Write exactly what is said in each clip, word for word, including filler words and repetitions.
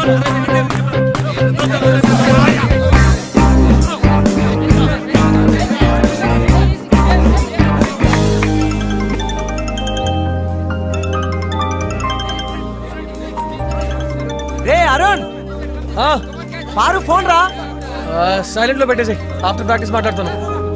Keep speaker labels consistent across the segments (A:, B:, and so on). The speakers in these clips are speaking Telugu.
A: రే అరుణ్, పారు ఫోన్ రా.
B: సైలెంట్ లో పెట్టేసి ఆఫ్టర్ ప్రాక్టీస్ మాట్లాడుతాను.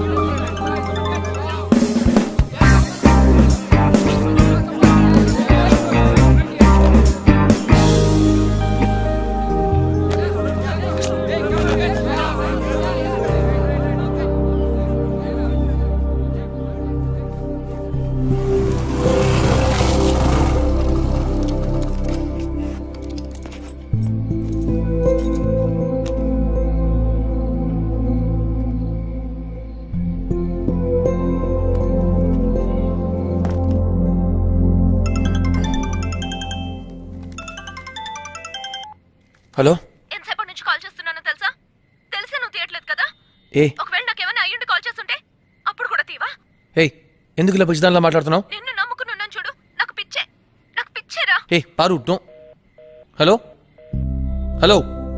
B: హలో,
C: ఎంతసేపటి నుంచి కాల్ చేస్తున్నానో తెలుసా? తెలిసే నువ్వు తీయట్లేదు కదా.
B: ఏ
C: ఒకవేళ నాకేమైనా అయ్యుండి కాల్ చేస్తుంటే అప్పుడు కూడా తీవా?
B: ఏ ఎందుకు ఇలా పిచ్చిదానిలా మాట్లాడుతున్నావు?
C: నిన్ను నమ్ముకుని ఉన్నాను చూడు, నాకు పిచ్చే, నాకు పిచ్చేరా.
B: ఏ Paru, no. Hello hello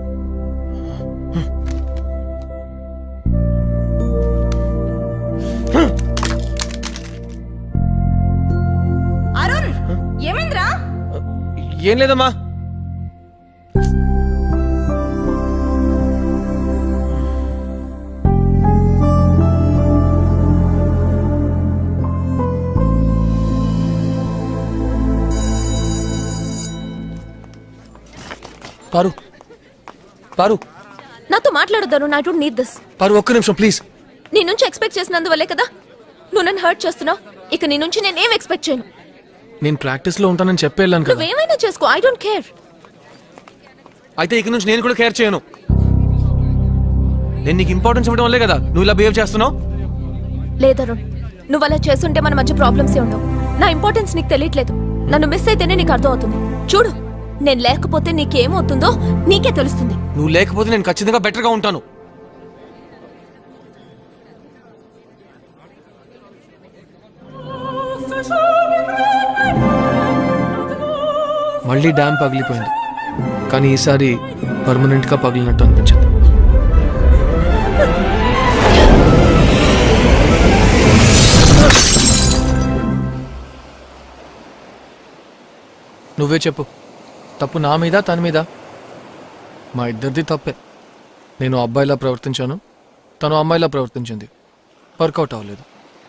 C: Arun, ఏమైందిరా?
B: ఏం లేదమ్మా. పారు పారు
C: నాతో మాట్లాడొద్దాను. I don't need this.
B: Paru ఒక్క నిమిషం ప్లీజ్.
C: నీ నుంచి ఎక్స్పెక్ట్ చేసినందువల్లే కదా నువ్వు నన్ను హర్ట్ చేస్తున్నావు. ఇక నీ నుంచి నేనేం ఎక్స్పెక్ట్ చేయను.
B: నేను ప్రాక్టీస్ లో ఉంటానని చెప్పి వెళ్ళాను కదా.
C: నువ్వేమైనా చేసుకో, ఐ డోంట్ కేర్.
B: అయితే ఇక నుంచి నేను కూడా కేర్ చేయను. నేను నీకు ఇంపార్టెన్స్ ఇవ్వడం వల్లే కదా నువ్వు ఇలా బిహేవ్ చేస్తున్నావు.
C: లేదరుణ్, నువ్వు అలా చేస్తుంటే మన మధ్య ప్రాబ్లమ్స్ ఏ ఉండవు. నా ఇంపార్టెన్స్ నీకు తెలియట్లేదు. నన్ను మిస్ అయితేనే నీకు అర్థం అవుతుంది. చూడు, నేను లేకపోతే నీకేమవుతుందో నీకే తెలుస్తుంది.
B: నువ్వు లేకపోతే నేను ఖచ్చితంగా బెటర్ గా ఉంటాను. మళ్ళీ డ్యామ్ పగిలిపోయింది, కానీ ఈసారి పర్మనెంట్ గా పగిలినట్టు అనిపించింది. నువ్వే చెప్పు, తప్పు నా మీద తన మీద? మా ఇద్దరిది తప్పే. నేను అబ్బాయిలా ప్రవర్తించాను, తను అమ్మాయిలా ప్రవర్తించింది. వర్కౌట్ అవ్వలేదు.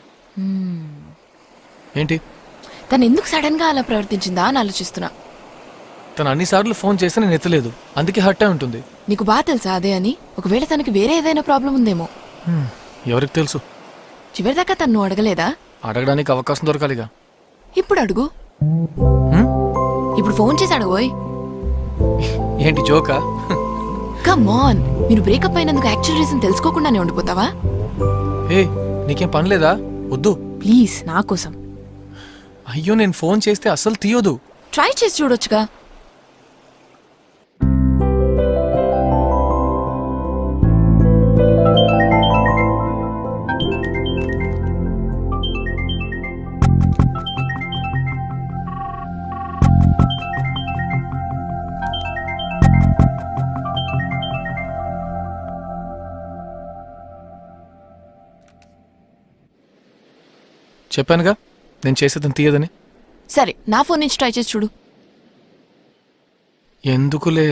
B: ఏంటి?
D: తను ఎందుకు సడన్ గా అలా ప్రవర్తించిందా అని ఆలోచిస్తున్నా.
B: తను అన్నిసార్లు ఫోన్ చేస్తే నేను ఎత్తలేదు, అందుకే హర్ట్ అయి ఉంటుంది.
D: నీకు బాగా తెలుసా అదే అని? ఒకవేళ తనకి వేరే ఏదైనా ప్రాబ్లం ఉందేమో.
B: ఎవరికి తెలుసు?
D: చివరిదాకా తను అడగలేదా?
B: అడగడానికి అవకాశం దొరకాలిగా.
D: ఇప్పుడు అడుగు. ఇప్పుడు ఫోన్ చేసి అడగోయ్.
B: ఏంటి జోకా?
D: కమ్ ఆన్, మీరు బ్రేకప్ అయినందుకు యాక్చువల్ రీజన్ తెలుసుకోకుండానే ఉండిపోతావా?
B: ఏ నీకేం పని లేదా? వద్దు
D: ప్లీజ్, నా కోసం.
B: అయ్యో, నేను ఫోన్ చేస్తే అస్సలు తీయదు.
D: ట్రై చేసి చూడొచ్చుగా.
B: చెప్పానుగా నేను చేసేదని తీయదని.
D: సరే, నా ఫోన్ నుంచి ట్రై చేసి చూడు.
B: ఎందుకులే.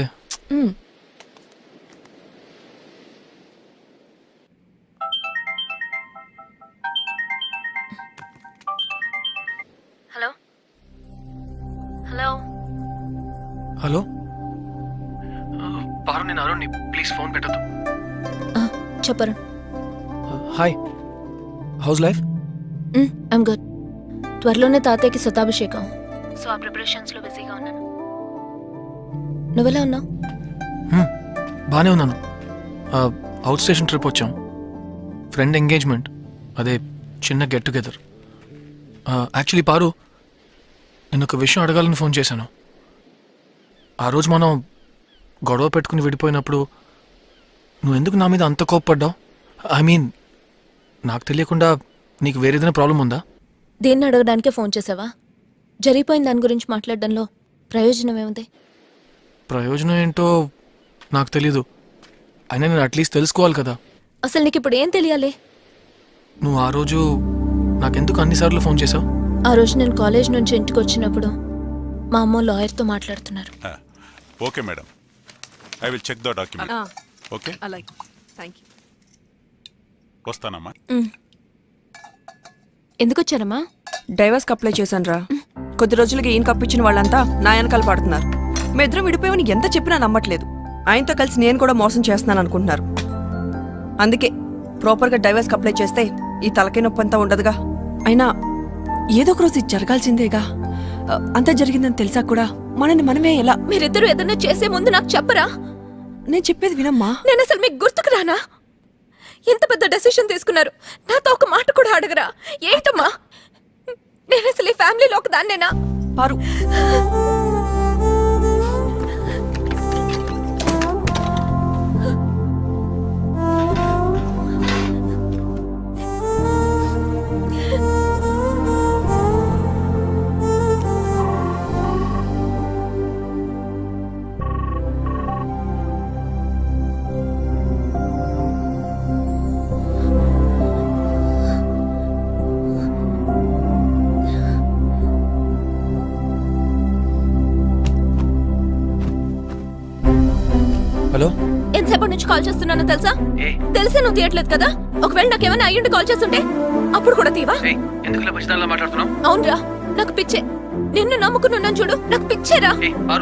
C: హలో హలో
B: హలో పారు, నేను అరుణ్ని, ప్లీజ్ ఫోన్ పెట్టద్దు.
C: చెప్పరు.
B: Hi, how's life?
C: I'm good. త్వరలోనే తాతయ్యకి శతాభిషేకం, సో ఆ ప్రిపరేషన్స్ లో బిజీగా ఉన్నాను. నువ్వెలా ఉన్నావు?
B: బానే ఉన్నాను. అవుట్ స్టేషన్ ట్రిప్ వచ్చాం, ఫ్రెండ్ ఎంగేజ్మెంట్, అదే చిన్న గెట్ టుగెదర్. యాక్చువల్లీ పారు, నేను ఒక విషయం అడగాలని ఫోన్ చేశాను. ఆ రోజు మనం గొడవ పెట్టుకుని విడిపోయినప్పుడు నువ్వు ఎందుకు నా మీద అంత కోప్పడ్డావు? ఐ మీన్, నాకు తెలియకుండా నీకు వేరేదైనా ప్రాబ్లం ఉందా?
C: దేన్ని అడగడానికే ఫోన్ చేసావా? జరిగిపోయిన దాని గురించి మాట్లాడడంలో ప్రయోజనం ఏముంది?
B: ప్రయోజనం ఏంటో నాకు తెలీదు. అయినా నేను అట్లీస్ట్ తెలుసుకోవాలి కదా.
C: అసలు నీకు ఇప్పుడు ఏం తెలియాలి?
B: నువ్వు ఆ రోజు నాకెందుకు అన్నిసార్లు ఫోన్ చేసావు?
C: ఆ రోజు నేను కాలేజ్ నుంచి ఇంటికి వచ్చినప్పుడు మా అమ్మ లాయర్తో మాట్లాడుతున్నారు.
E: Okay madam, I will check the document. Okay,
F: అలాగే, థ్యాంక్ యూ.
E: వస్తానమ్మా.
C: ఎందుకు వచ్చారమ్మా?
F: డైవర్స్కి అప్లై చేశాను రా. కొద్ది రోజులకి ఈయన కప్పించిన వాళ్ళంతా నా వెనకాల పడుతున్నారు. మీ ఇద్దరం విడిపోయామని ఎంత చెప్పినా నమ్మట్లేదు. ఆయనతో కలిసి నేను కూడా మోసం చేస్తున్నాను అనుకుంటున్నారు. అందుకే ప్రాపర్గా డైవర్స్కి అప్లై చేస్తే ఈ తలకాయ నొప్పి అంతా ఉండదుగా. అయినా ఏదో ఒక రోజు ఇది జరగాల్సిందేగా. ఆ, అంతా జరిగిందని తెలిసా కూడా మనని మనమే ఎలా?
C: మీరిద్దరూ ఏదైనా చేసే ముందు నాకు చెప్పరా?
F: నేను చెప్పేది వినమ్మా.
C: నేను అసలు మీకు గుర్తుకు రానా? ఎంత పెద్ద డెసిషన్ తీసుకున్నారు, నాతో ఒక మాట కూడా అడగరా? ఏంటమ్మా, నేను అసలు ఈ ఫ్యామిలీలో ఒక దాన్నేనా?
F: పారు,
B: హలో,
C: ఎంతసేపటి నుంచి కాల్ చేస్తున్నానో తెలుసా? తెలిసే నువ్వు తీయట్లేదు కదా. ఒకవేళ నాకేమైనా అయ్యుండి కాల్ చేస్తుంటే అప్పుడు కూడా తీవా?
B: మాట్లాడుతున్నావు?
C: అవునరా, నాకు పిచ్చే. నిన్ను నమ్ముకున్నాను చూడు, నాకు పిచ్చేరా.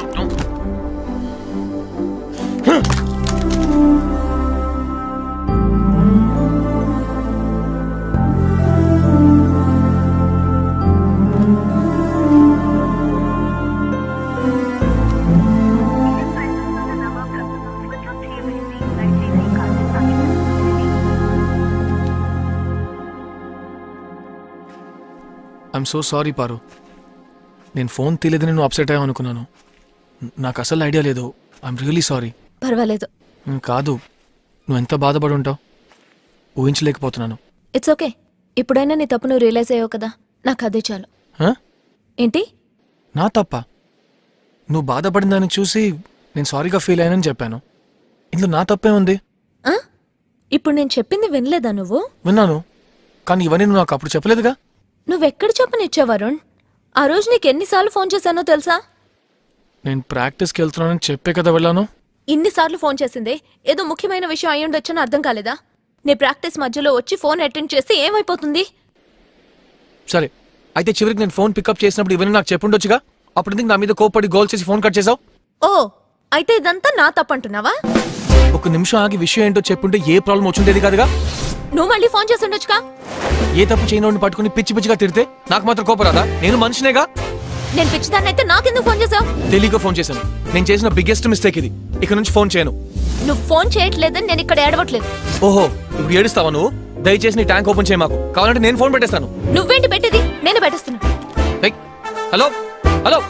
B: I'm so sorry Paru. నేను ఫోన్ తీయలేదని నువ్వు అప్సెట్ అయ్యావు అనుకున్నాను. నాకు అసలు ఐడియా లేదు. I'm really sorry.
C: పర్వాలేదు.
B: కాదు, నువ్వు ఎంత బాధపడి ఉంటావు ఊహించలేకపోతున్నాను.
C: It's okay. ఇప్పుడైనా నీ తప్పు నువ్వు రియలైజ్ అయ్యావు కదా, నాకు అదే చాలు.
B: హ?
C: ఏంటి?
B: నా తప్ప? నువ్వు బాధపడిన దాన్ని చూసి నేను సారీగా ఫీల్ అయ్యానని చెప్పాను. ఇందులో నా తప్పే ఉంది?
C: ఆ? ఇప్పుడు నేను చెప్పింది వినలేదా నువ్వు?
B: విన్నాను, కానీ ఇవన్నీ నువ్వు నాకు అప్పుడు చెప్పలేదుగా.
C: నువ్వెక్కడ చెప్పనిచ్చావు వరుణ్? ఆ రోజు నీకు ఎన్నిసార్లు ఫోన్ చేశానో తెలుసా?
B: నేను ప్రాక్టీస్కి వెళ్తున్నానని చెప్పే కదా వెళ్ళాను.
C: ఇన్నిసార్లు ఫోన్ చేసిందే ఏదో ముఖ్యమైన విషయం అయి ఉండొచ్చని అర్థం కాలేదా? నీ ప్రాక్టీస్ మధ్యలో వచ్చి ఫోన్ అటెండ్ చేస్తే ఏమైపోతుంది?
B: సరే, అయితే చివరికి నేను ఫోన్ పికప్ చేసినప్పుడు ఇవన్నీ నాకు చెప్పుండొచ్చుగా. అప్పుడు ఎందుకు నా మీద కోపడి గోల్ చేసి ఫోన్ కట్ చేసావు?
C: ఓ, అయితే ఇదంతా నా తప్పంటున్నావా?
B: ఒక నిమిషం ఆగి విషయం ఏంటో చెప్పుంటే ఏ ప్రాబ్లం వచ్చుండేది కాదుగా.
C: నువ్వు మళ్ళీ ఫోన్ చేసి ఉండొచ్చుగా.
B: ఏ తప్పు చేయనోడిని పట్టుకుని పిచ్చి పిచ్చిగా తిడితే నాకు మాత్రం కోపరాదా? నేను మనిషినేగా.
C: నేను పిచ్చిదాన్ని అయితే నాకెందుకు ఫోన్ చేసావు?
B: తెలియక ఫోన్ చేశాను. నేను చేసిన బిగ్గెస్ట్ మిస్టేక్ ఇది. ఇక నుంచి ఫోన్ చేయను.
C: నువ్వు ఫోన్ చేయట్లేదని నేను ఇక్కడ ఏడవట్లేదు.
B: ఓహో, ఇప్పుడు ఏడుస్తావా నువ్వు? దయచేసి నీ ట్యాంక్ ఓపెన్ చేయ మాకు. కావాలంటే నేను ఫోన్ పెట్టేస్తాను.
C: నువ్వేంటి పెట్టేది? నేను పెట్టేస్తున్నా.
B: ఏయ్, హలో హలో.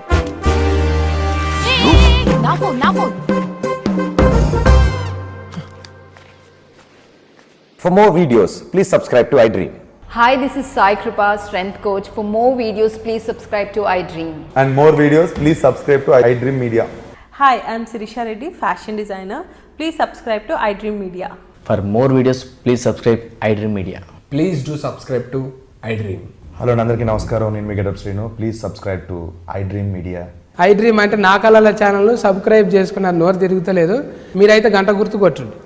D: నా ఫోన్ నా phone
G: For more videos, please subscribe to iDream.
H: Hi, this is Sai Kripa, strength coach. For more videos, please subscribe to iDream.
I: And more videos, please subscribe to iDream Media.
J: Hi, I am Sirisha Reddy, fashion designer. Please subscribe to iDream Media.
K: For more videos, please subscribe iDream Media.
L: Please do subscribe to iDream.
I: Hello, Nandarki Namaskaram. నేను మీ getup Srinu. Please subscribe to iDream Media.
L: iDream అంటే నా కళల ఛానల్ను సబ్స్క్రైబ్ చేసుకున్నారు. నోరు తిరుగుతలేదు. మీరైతే గంట గుర్తు కొట్టండి.